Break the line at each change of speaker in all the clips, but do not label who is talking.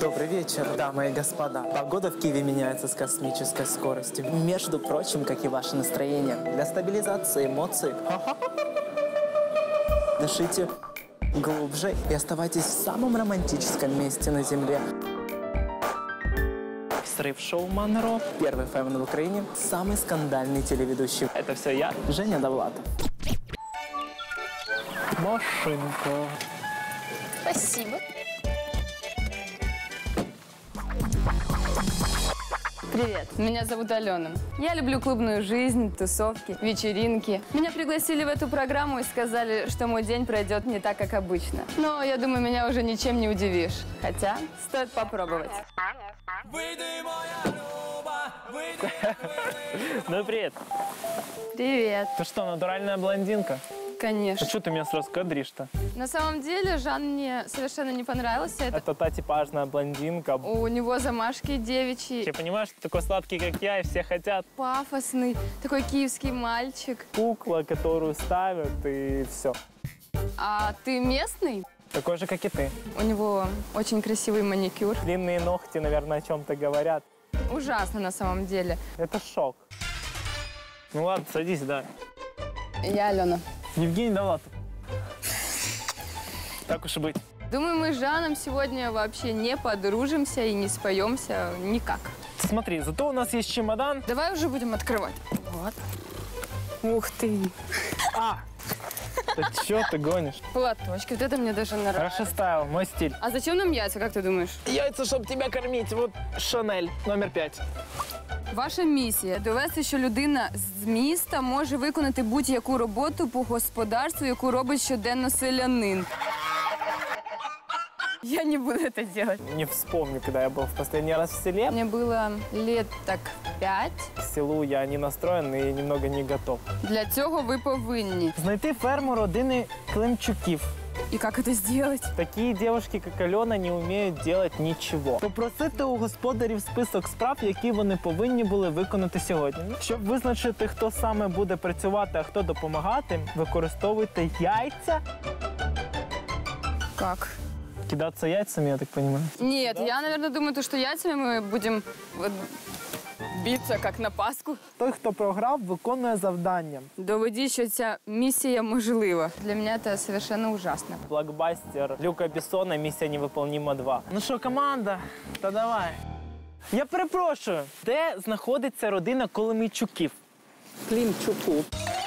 Добрый вечер, дамы и господа. Погода в Киеве меняется с космической скоростью. Между прочим, как и ваше настроение. Для стабилизации эмоций дышите глубже и оставайтесь в самом романтическом месте на Земле. Срыв-шоу Монро. Первый ФМ в Украине. Самый скандальный телеведущий. Это все я, Женя Довлатов. Машинка.
Спасибо.
Привет, меня зовут Алена. Я люблю клубную жизнь, тусовки, вечеринки. Меня пригласили в эту программу и сказали, что мой день пройдет не так, как обычно. Но я думаю, меня уже ничем не удивишь. Хотя, стоит попробовать.
Ну, привет.
Привет.
Ты что, натуральная блондинка?
Конечно.
А что ты меня сразу кадришь-то?
На самом деле, Жан мне совершенно не понравился.
Это та типажная блондинка.
У него замашки девичьи.
Ты понимаешь, что такой сладкий, как я, и все хотят?
Пафосный, такой киевский мальчик.
Кукла, которую ставят, и все.
А ты местный?
Такой же, как и ты.
У него очень красивый маникюр.
Длинные ногти, наверное, о чем-то говорят.
Ужасно на самом деле.
Это шок. Ну ладно, садись, да.
Я Алена.
Евгений Довлатов. Так уж и быть.
Думаю, мы с Жаном сегодня вообще не подружимся и не споемся никак.
Смотри, зато у нас есть чемодан.
Давай уже будем открывать. Вот. Ух ты.
Да чё ты гонишь?
Платочки, вот это мне даже нравится.
Хорошо стайл, мой стиль.
А зачем нам яйца, как ты думаешь?
Яйца, щоб тебя кормить. Вот Шанель, номер 5.
Ваша місія – довести, що людина з міста може виконати будь-яку роботу по господарству, яку робить щоденно селянин. Я не буду это делать.
Не вспомню, когда я был в последний раз в селе.
Мне было лет так 5.
К селу я не настроен и немного не готов.
Для цього ви повинні.
Знайти ферму родини Климчуків.
І як це зробити?
Такі девушки, як Альона, не вміють делать нічого. Попросити у господарів список справ, які вони повинні були виконати сьогодні. Щоб визначити, хто саме буде працювати, а хто допомагати, використовуйте яйця.
Как?
Кидаться яйцами, я так понимаю.
Нет, я, наверное, думаю, что яйцами мы будем вот биться, как на Пасху.
Той, хто програв, виконує завдання.
Доведіть, що ця місія можлива. Для мене це совершенно ужасно.
Блокбастер Люка Бессона «Місія невиполнима 2». Ну що, команда, та давай. Я перепрошую, де знаходиться родина Коломійчуків?
Климчуку.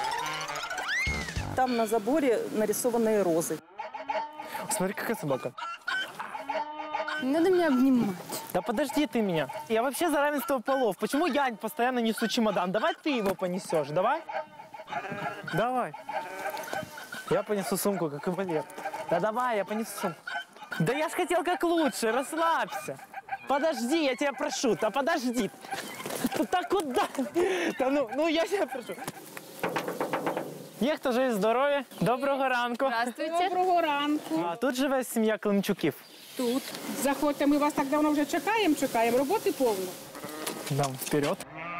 Там на заборе нарисованные розы.
Смотри, какая собака.
Не надо меня обнимать.
Да подожди ты меня. Я вообще за равенство полов. Почему я постоянно несу чемодан? Давай ты его понесешь, давай? Давай. Я понесу сумку, как и Валер. Да давай, я понесу сумку. Да я ж хотел как лучше, расслабься. Подожди, я тебя прошу, да подожди. Да куда? Да ну я тебя прошу. Є хто живе здоров'я. Доброго ранку.
Здравствуйте.
Доброго ранку.
А тут живе сім'я Климчуків.
Тут. Заходьте, ми вас так давно вже чекаємо. Роботи повно.
Дам вперед.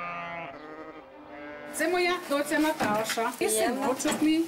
Це моя доця Наташа. І синочок мій.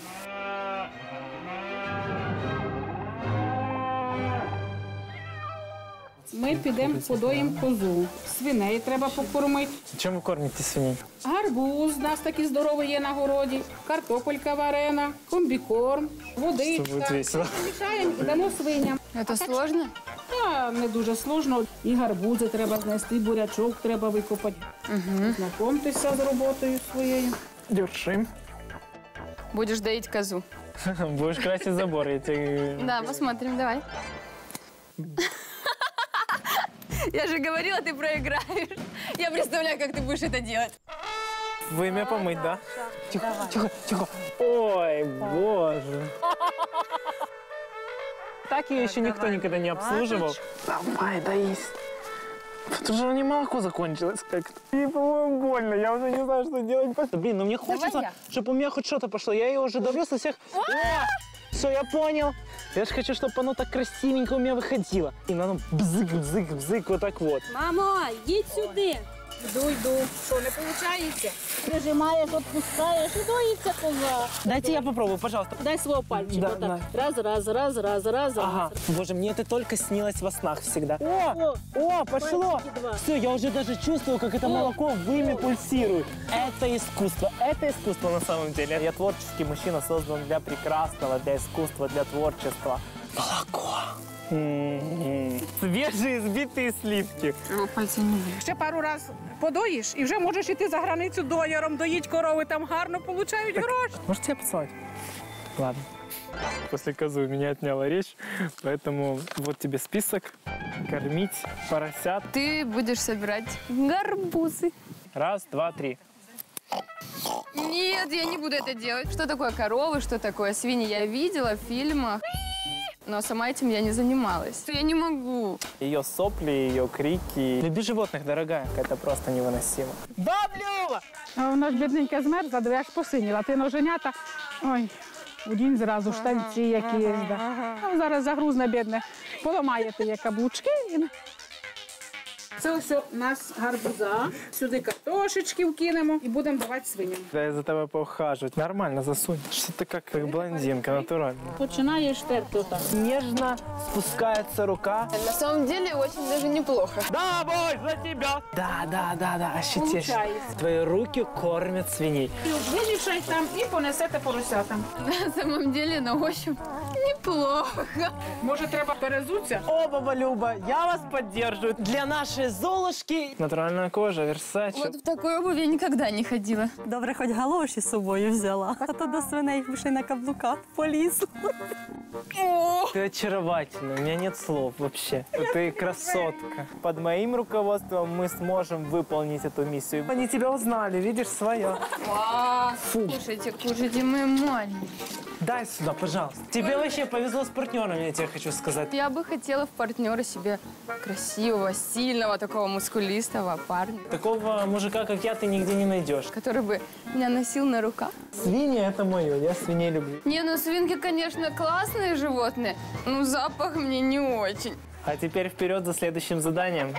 Ми підемо подоїмо козу. Свиней треба покормити.
Чим ви кормите свиней?
Гарбуз у нас такий здоровий є на городі. Картопелька варена, комбікорм,
Це
водичка.
буде весело.
Мішаємо і дамо свиням.
Это сложно?
Та не дуже сложно. І гарбузи треба знести, бурячок треба викопати. Знайомтеся з роботою своєю.
Держим.
Будешь доить козу.
Будешь красить забор, я тебе...
Да, посмотрим, давай. Я же говорила, ты проиграешь. Я представляю, как ты будешь это делать.
Вымя помыть, да? Тихо, тихо, тихо. Ой, боже. Так ее еще никто никогда не обслуживал. Давай, доись. Тут уже не молоко закончилось как-то. Мне, по-моему, больно. Я уже не знаю, что делать. Блин, ну мне хочется, чтобы у меня хоть что-то пошло. Я ее уже давлю со всех... Все, я понял. Я же хочу, чтобы оно так красивенько у меня выходило. И оно бзык, бзык, бзык, вот так вот.
Мамо, йдіть сюди.
Йду. Що, не виходить? Прижимаєш, відпускаєш і доїться коза.
Дайте я попробую, пожалуйста.
Дай свого пальчика.
Да,
отак.
да.
Раз.
Ага. Боже, мне это только снилось во снах всегда. О, пошло.
Пальчики два.
Все, я уже даже чувствую, как это молоко в вымя пульсирует. Это искусство на самом деле. Я творческий мужчина, создан для прекрасного, для искусства, для творчества. Молоко. Свежие избитые сливки.
Пальцы не были.
Ще пару раз подоїш і вже можеш іти за границю дояром, доїть корови, там гарно получають гроші.
Может, тебя поцеловать? Ладно. После козы у меня отняла речь, поэтому вот тебе список. Кормить поросят.
Ты будешь собирать гарбузы.
Раз, два, три.
Нет, я не буду это делать. Что такое коровы, что такое свиньи, я видела в фильмах. Но сама этим я не занималась. Я не могу.
Ее сопли, ее крики. Люби животных, дорогая. Это просто невыносимо. Баблюва!
А вона ж бідненька змерзла, диви, аж посиніла. Ти ноженята, ой, удінь зразу штанці якісь. А зараз загрузне, бідне, поламаєте є каблучки. Це ось у нас гарбуза. Сюди картошечки вкинемо і будемо давати свиням.
Да я за тобой поухаживать. Нормально, засунь. Что ты как блондинка, натурально.
Починаєш терти отак.
Нежно спускается рука.
На самом деле очень даже неплохо.
Да, бой, за тебя! Да, ощутишь.
Получается.
Твои руки кормят свиней.
Вимішай там і понесете поросятам.
На самом деле, на ощупь неплохо.
Може, треба перезуться?
О, баба Люба, я вас поддерживаю. Для нашей Золушки натуральная кожа, Версаче.
Вот в такой обуви я никогда не ходила.
Добре, хоч галоші з собою взяла, а то до свиней ще на каблуках по лісу.
Ты очаровательна, у меня нет слов вообще. Ты красотка. Под моим руководством мы сможем выполнить эту миссию. Они тебя узнали, видишь, своя.
Кушайте, мы маленькие.
Дай сюда, пожалуйста. Тебе вообще повезло с партнерами, я тебе хочу сказать.
Я бы хотела в партнера себе красивого, сильного, такого мускулистого парня,
Такого мужика, как я, ты нигде не найдешь.
который бы меня носил на руках.
Свиньи – это мое, я свиней люблю.
Не, ну свинки, конечно, классные животные, но запах мне не очень.
А теперь вперед за следующим заданием.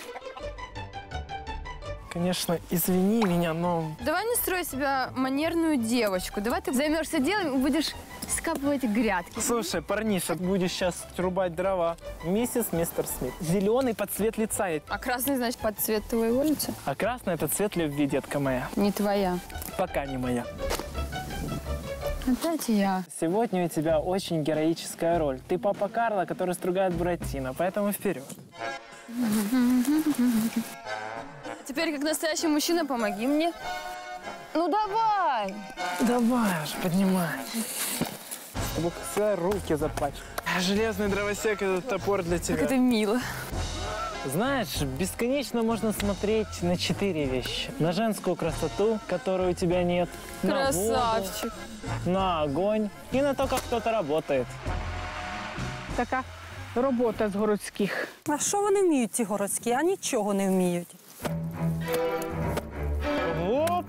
Конечно, извини меня, но...
Давай не строй себя манерную девочку. Давай ты займешься делом и будешь скапывать грядки.
Слушай, парниша, будешь сейчас рубать дрова. Миссис, мистер Смит. Зеленый под цвет лица.
А красный, значит, под цвет твоего лица?
А красный – это цвет любви, детка моя.
Не твоя.
Пока не моя.
Опять я.
Сегодня у тебя очень героическая роль. Ты папа Карло, который стругает Буратино, поэтому вперед.
Теперь, как настоящий мужчина, помоги мне. Ну давай!
Давай уже, поднимай. Чтобы свои руки запачкать. Железный дровосек – это топор для тебя.
Как это мило.
Знаешь, бесконечно можно смотреть на 4 вещи. На женскую красоту, которой у тебя нет.
Красавчик.
На воду, на огонь и на то, как кто-то работает.
Така робота з городських.
А що вони вміють, ці городські? А нічого не вміють.
Оп!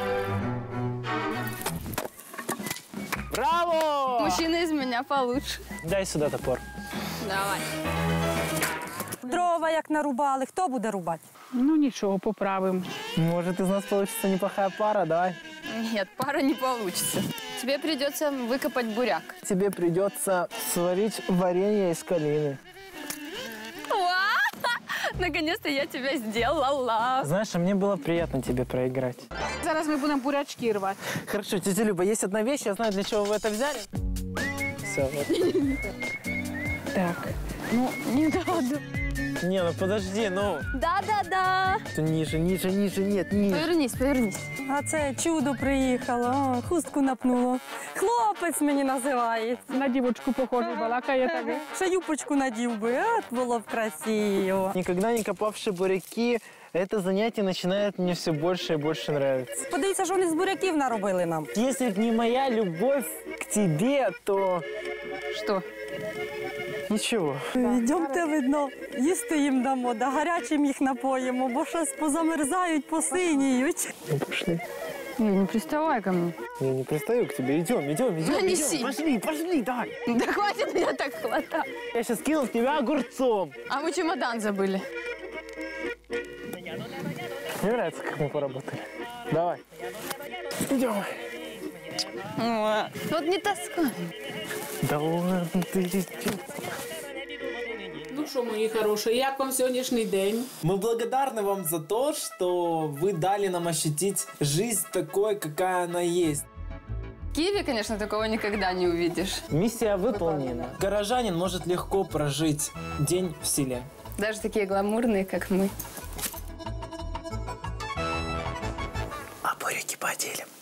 Браво!
Мужчина из меня получше.
Дай сюда топор.
Давай.
Дрова як нарубали, хто буде рубати?
Ну нічого, поправимо.
Может, из нас получится неплохая пара, давай.
Нет, пара не получится. Тебе придется выкопать буряк.
Тебе придется сварить варенье из калины.
Наконец-то я тебя сделала.
Знаешь, а мне было приятно тебе проиграть.
Зараз ми будемо бурячки рвати.
Хорошо, тетя Люба, есть одна вещь, я знаю, для чего вы это взяли. Все, вот.
Так, ну не надо.
Не, ну подожди, ну.
Да-да-да.
Ниже, нет, ниже.
Повернись, повернись.
А це чудо приїхало, о, хустку напнуло. Хлопець мені називається.
На дівочку похожий балакає так.
Ще юбочку надів би, от було б красиво.
Никогда не копавшие буряки, это занятие начинает мне все больше и больше нравиться.
Подивіться, що вони з буряків наробили нам.
Если б не моя любовь к тебе, то
Что?
ничего.
Йдемте, видно, їсти їм дамо, да гарячим їх напоїмо, бо щось позамерзають, посиніють.
Ну, пошли.
Не приставай ко мне.
Я не пристаю к тебе. Идем.
неси.
Пошли, давай.
Да хватит меня так хватать.
Я сейчас кину в тебя огурцом.
А мы чемодан забыли.
Мне нравится, как мы поработали. Давай. Идем.
Вот не тоскуй.
Да ладно, ты.
Ну що, мої хороші, як вам сьогоднішній день?
Мы благодарны вам за то, что вы дали нам ощутить жизнь такой, какая она есть.
В Киеве, конечно, такого никогда не увидишь.
Миссия выполнена.
Горожанин может легко прожить день в селе.
Даже такие гламурные, как мы.
А буряки поделим.